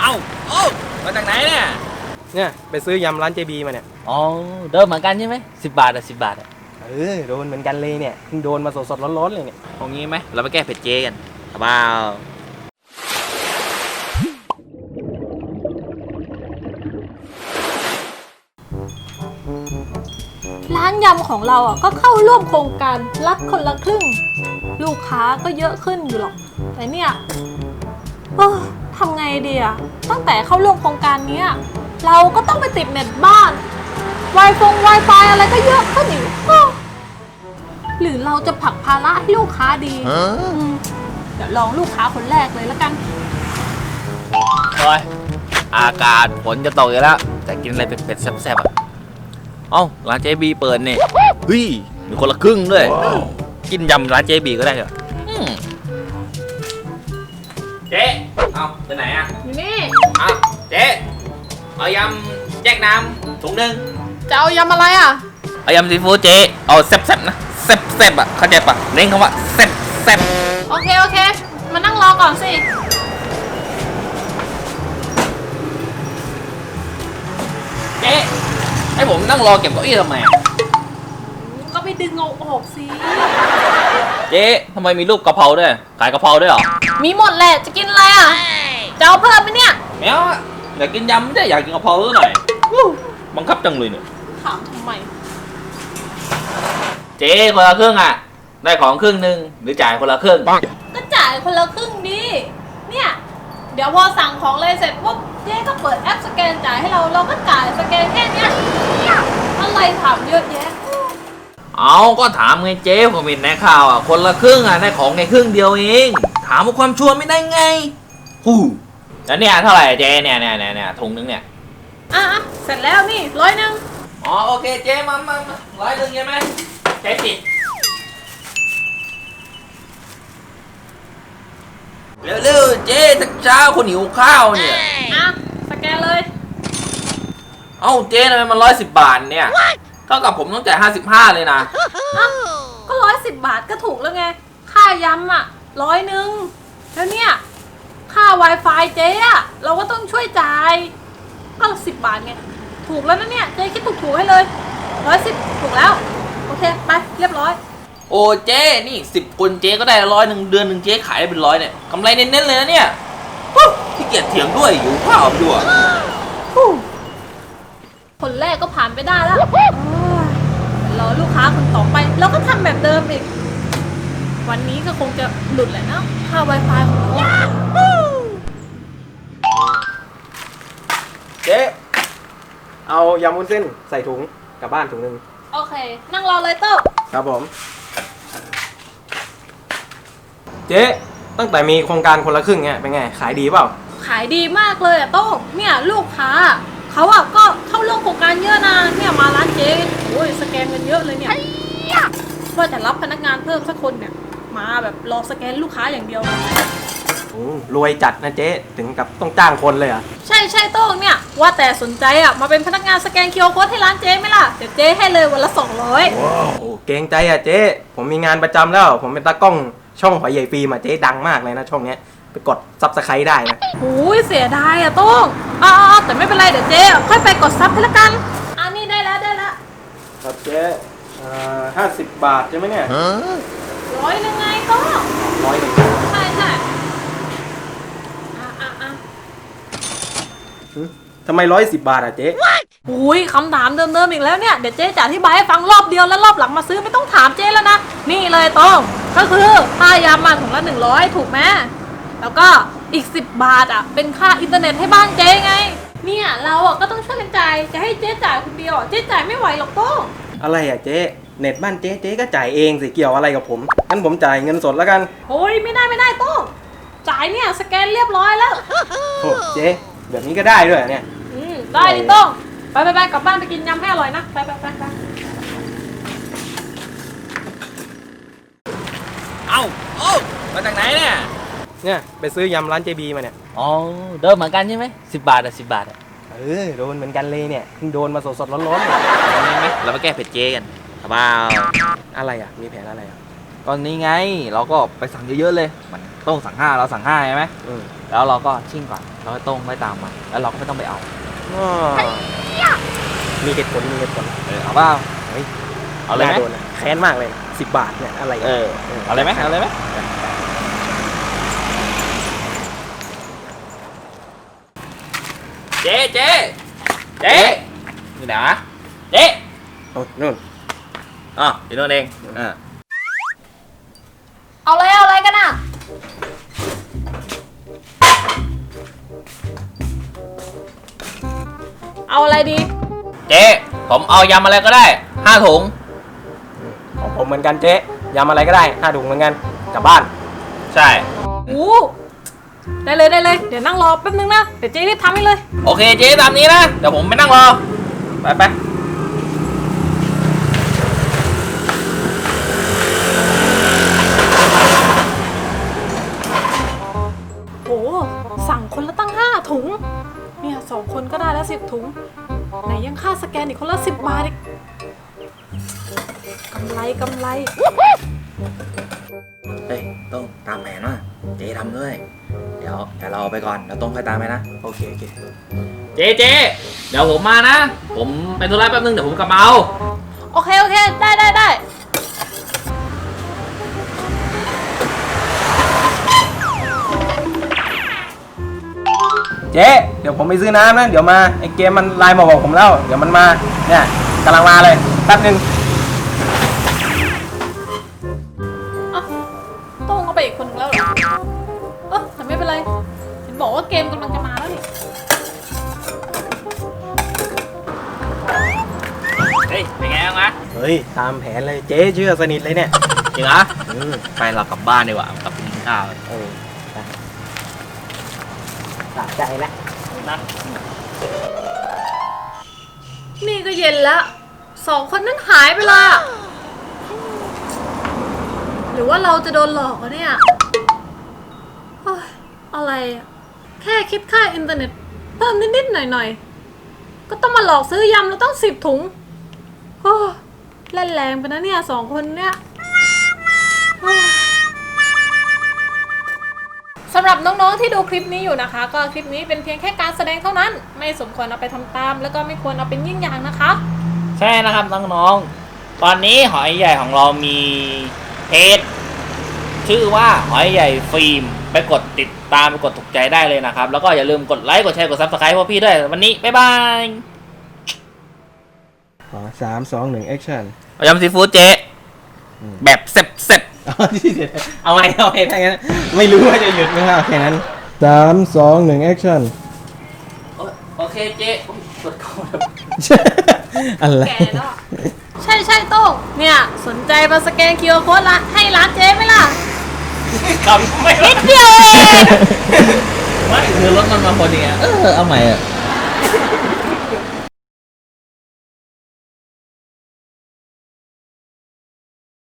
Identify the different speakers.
Speaker 1: เอ้าโอ้มาจากไหนเนี่ย
Speaker 2: ไปซื้อยำร้านเจบีมาเนี่ย
Speaker 1: อ๋อเดิมเหมือนกันใช่ไหม10 บาทอะ10 บาทอะ
Speaker 2: โดนเหมือนกันเลยเนี่ยเพิ่งโดนมาสดๆร้อนๆเลยเนี่ย
Speaker 1: เอางี้ไหมเราไปแก้เผ็ดเจกันครับเปล่า
Speaker 3: ร้านยำของเราก็เข้าร่วมโครงการรักคนละครึ่งลูกค้าก็เยอะขึ้นอยู่หรอกแต่เนี่ยทำไงดีอะตั้งแต่เข้าร่วมโครงการนี้เราก็ต้องไปติดเน็ตบ้าน Wi-Fi อะไรก็เยอะขึ้นอีกหรือเราจะผลักภาระให้ลูกค้าดีเดี๋ยวลองลูกค้าคนแรกเลยแล้วกัน
Speaker 1: โอ้ยอากาศฝนจะตกอยู่แล้วแต่กินอะไรเผ็ดๆแซ่บๆอ่ะเอ้าร้านเจบีเปิดเนี่ยเฮ้ยมีคนละครึ่งด้วยกินยำร้านเจบีก็ได้เหรอเจ๊เอาไปไหนอ่ะ
Speaker 3: อยู่นี่
Speaker 1: เอาเจ๊เอายำแยกน้ำถุงนึง
Speaker 3: จะเอายำอะไรอ่ะ
Speaker 1: เอายำซีฟู้ดเจ๊เอาแซ่บๆนะแซ่บๆอ่ะเข้าใจปะเน้นคำว่าแซ่บ
Speaker 3: โอเคมานั่งรอก่อนสิ
Speaker 1: เจ๊ให้ผมนั่งรอเก็บเก้าอี้ทำไม
Speaker 3: ก็ไปดึงเอาออกสิ
Speaker 1: เจ๊ทำไมมีรูปกะเพราด้วยขายกะเพราด้วยเหรอ
Speaker 3: มีหมดแหละจะกินอะไรอ่ะจะเอาเพิ่มไหมเนี่ย
Speaker 1: ไม่เอาอะอยากกินยำไม่ได้อยากกินกะเพราหน่อยบังคับจังเลยเนี่ย
Speaker 3: ถามทำไม
Speaker 1: เจ๊คนละครึ่งอ่ะได้ของครึ่งนึงหรือจ่ายคนละครึ่ง
Speaker 3: ก็จ่ายคนละครึ่งดิเนี่ยเดี๋ยวพอสั่งของเลยเสร็จปุ๊บเจ๊ก็เปิดแอปสแกนจ่ายให้เราก็จ่ายสแกนแค่เนี้ยอะไรถามเยอะแยะ
Speaker 1: เอาก็ถามไงเจ๊ผมเห็นในข่าวอ่ะคนละครึ่งอ่ะได้ของในครึ่งเดียวเองถามว่าความชัวร์ไม่ได้ไงแล้วเนี่ยเท่าไหร่เจ๊เนี่ยถุงนึงเนี่ย
Speaker 3: เสร็จแล้วนี่100
Speaker 1: อ๋อโอเคเจ๊มา100ใช่ไหมใช้สิเร็วเจ๊ทักเช้าคนหิวข้าวเนี่ย
Speaker 3: สแกนเลย
Speaker 1: เอ้าเจ๊ทำไมมัน110 บาทเนี่ยเท่ากับผมต้องจ่าย55เลยนะ
Speaker 3: ก็110 บาทก็ถูกแล้วไงค่ายำ100แล้วเนี่ยค่า Wi-Fi เจ๊เราก็ต้องช่วยจ่ายก็10 บาทไงถูกแล้วนะเนี่ยเจ๊คิดถูกให้เลย110ถูกแล้วโอเคไปเรียบร้อย
Speaker 1: โอ้เจ๊นี่10 คนเจ๊ก็ได้100เดือนหนึ่งเจ๊ขายได้เป็น100เนี่ยกำไรเน้นๆเลยนะเนี่ยขี้เกียจเถียงด้วยอยู่ข้าวด้วย
Speaker 3: คนแรกก็ผ่านไปได้แล้วรอลูกค้าคนต่อไปเราก็ทำแบบเดิมอีกวันนี้ก็คงจะหลุดแหละนะค่า Wi-Fi ของเรา
Speaker 2: เจ๊เอายำวุ้นเส้นใส่ถุงกลับบ้านถุงนึง
Speaker 3: โอเคนั่งรอเลยโต้
Speaker 2: ครับผมเจ๊ตั้งแต่มีโครงการคนละครึ่งเนี่ยเป็นไงขายดีเปล่า
Speaker 3: ขายดีมากเลยโต้เนี่ยลูกค้าเขาก็เข้าร่วมโครงการเยอะนะเนี่ยมาร้านเจ๊โอ้ยสแกนกันเยอะเลยเนี่ยว่าจะรับพนักงานเพิ่มสักคนเนี่ยมาแบบรอสแกนลูกค้าอย่างเดียว
Speaker 2: รวยจัดนะเจ๊ถึงกับต้องจ้างคนเลย
Speaker 3: ใช่โต้งเนี่ยว่าแต่สนใจมาเป็นพนักงานสแกนคิวอาร์โค้ดให้ร้านเจ๊ไหมล่ะเดี๋ยวเจ๊ให้เลยวันละ200
Speaker 2: โอ้เกรงใจเจ๊ผมมีงานประจำแล้วผมเป็นตากล้องช่องหอยใหญ่ฟิล์มเจ๊ดังมากเลยนะช่องนี้ไปกดซับสไครต์ได้นะ
Speaker 3: โอ้ยเสียดายโต้งแต่ไม่เป็นไรเดี๋ยวเจ๊ค่อยไปกดซับให้ละกันนี่ได้แล้ว
Speaker 2: ครับเจ๊50 บาทใช่ไหมเนี่ย
Speaker 3: 100ยังไงโต้ง100ใช่
Speaker 2: ทำไม110 บาทเจ๊
Speaker 3: อุ้ยคำถามเดิมอีกแล้วเนี่ยเดี๋ยวเจ๊จะอธิบายให้ฟังรอบเดียวแล้วรอบหลังมาซื้อไม่ต้องถามเจ๊แล้วนะนี่เลยโต้งก็คือค่ายำถุงละ100ถูกไหมแล้วก็อีก10 บาทเป็นค่าอินเทอร์เน็ตให้บ้านเจ๊ไงเนี่ยเราก็ต้องช่วยกันจ่ายจะให้เจ๊จ่ายคนเดียวเจ๊จ่ายไม่ไหวหรอกโต้ง
Speaker 2: อะไรเจ๊เน็ตบ้านเจ๊ก็จ่ายเองสิเกี่ยวอะไรกับผมงั้นผมจ่ายเงินสดแล้วกัน
Speaker 3: โอ้ยไม่ได้โต้งจ่ายเนี่ยสแกนเรียบร้อยแล้ว
Speaker 2: โอ้เจ๊แบบนี้ก็ได้ด้วยเนี่ย
Speaker 3: ได้ดิโต้งไปกลับบ้านไปกินยำให้อร่อยนะไป
Speaker 1: เอ้ามาจากไหน
Speaker 2: เนี่ยไปซื้อยำร้านเจบีมาเนี่ย
Speaker 1: อ๋อเดิมเหมือนกันใช่ไหม10 บาท10 บาท
Speaker 2: โดนเหมือนกันเลยเนี่ยเพิ่งโดนมาสดๆร้อนๆ
Speaker 1: เลยเราไปแก้เผ็ดเจกันครับเปล่า
Speaker 2: อะไรมีแผนอะไร
Speaker 1: ตอนนี้ไงเราก็ไปสั่งเยอะๆเลยมันต้องสั่ง5เราสั่ง5ใช่ไหมแล้วเราก็ชิ่งก่อนแล้วก็ต้องไม่ตามมาแล้วเราก็ไม่ต้องไปเอา
Speaker 2: อ้อมีเหตุผลมีเหตุผล
Speaker 1: เอาเปล่า
Speaker 2: เฮ้ย
Speaker 1: เอาเลยไหม
Speaker 2: น่โดนนะแค้นมากเลย10 บาทเนี่ยอะไร
Speaker 1: เอาเลยไหมเอาเลยไหมเจ๊เจ๊เจ๊นี่นะเจ๊
Speaker 2: โอ้นู่น
Speaker 1: อ๋ออยู่นู่นเองอ่า
Speaker 3: เอาอะไรกันอ่ะ เอาอะไรดี
Speaker 1: เจ๊ผมเอายำอะไรก็ได้5 ถุง
Speaker 2: ของผมเหมือนกันเจ๊ยำอะไรก็ได้5 ถุงเหมือนกันกลับบ้าน
Speaker 1: ใช่
Speaker 3: ได้เลย เดี๋ยวนั่งรอแป๊บนึงนะ เดี๋ยวเจ๊รีบทำให้เลย
Speaker 1: โอเคเจ๊ตามนี้นะเดี๋ยวผมไปนั่งรอไป
Speaker 3: โอ้สั่งคนละตั้ง5 ถุง เนี่ย2 คนก็ได้แล้ว10 ถุง ไหนยังค่าสแกนอีกคนละ10 บาทอีกกำไร
Speaker 1: เฮ้ยต้องตามแผนว่ะเจ๊ทำด้วยเดี๋ยวเราไปก่อนเดี๋ยวต้องค่อยตามไปนะ
Speaker 2: โอเค
Speaker 1: เจ๊เดี๋ยวผมมานะ ผมไปธุระแป๊บนึงเดี๋ยวผมกลับมาเอา
Speaker 3: โอเค ได้
Speaker 2: เจ๊เดี๋ยวผมไปซื้อน้ำนะเดี๋ยวมาไอเกมมันไลน์มาบอกผมแล้วเดี๋ยวมันมาเนี่ยกำลังมาเลยแป๊บนึง
Speaker 3: ต้องเอาไปอีกคนนึงแล้วเหรอแต่ไม่เป็นไร เห็นบอกว่าเกมกำลังจะมาแล้วนี่
Speaker 1: เฮ้ยเป็นไงบ้างวะ
Speaker 2: เฮ้ยตามแผนเลยเจ๊เชื่อสนิทเลยเนี่ย
Speaker 1: จริงเหรอไปเรากลับบ้านดีกว่ากลับกินข้าว
Speaker 2: สะใจแล้ว
Speaker 1: นะ
Speaker 3: นี่ก็เย็นแล้ว2 คนนั้นหายไปละหรือว่าเราจะโดนหลอกวะเนี่ยเฮ้ยอะไรอะแค่คิดค่าอินเทอร์เน็ตเพิ่มนิดๆหน่อยๆก็ต้องมาหลอกซื้อยำเราต้อง10 ถุงโอ้เล่นแรงไปนะเนี่ย2 คนเนี่ยเฮ้ยสำหรับน้องๆที่ดูคลิปนี้อยู่นะคะ ก็คลิปนี้เป็นเพียงแค่การแสดงเท่านั้น ไม่สมควรเอาไปทำตาม แล้วก็ไม่ควรเอาเป็นยิ่งอย่างนะคะ
Speaker 1: ใช่นะครับน้องๆตอนนี้หอยใหญ่ของเรามีเพจชื่อว่าหอยใหญ่ฟิล์มไปกดติดตามไปกดถูกใจได้เลยนะครับแล้วก็อย่าลืมกดไลค์กดแชร์กด Subscribe พวกพี่ด้วยวันนี้บ๊ายบาย
Speaker 2: 3 2 1 action
Speaker 1: ยำซีฟู้ดเจ๊แบบเสร็จ
Speaker 2: เอาไงถ้างั้นไม่รู้ว่าจะหยุดไหมครับแค่นั้น3 2 1 action
Speaker 1: โอเคเจ๊กดเข้าแบบ
Speaker 2: อะไร
Speaker 3: แกเนาะใช่โต้งเนี่ยสนใจมาสแกน QR Code ละให้ร้านเจ๊ไหมล่ะ
Speaker 1: คำไม่
Speaker 3: นิดเดียวเอง
Speaker 1: ไม่คือรถมันมาพอดีเอาใหม่อ่ะ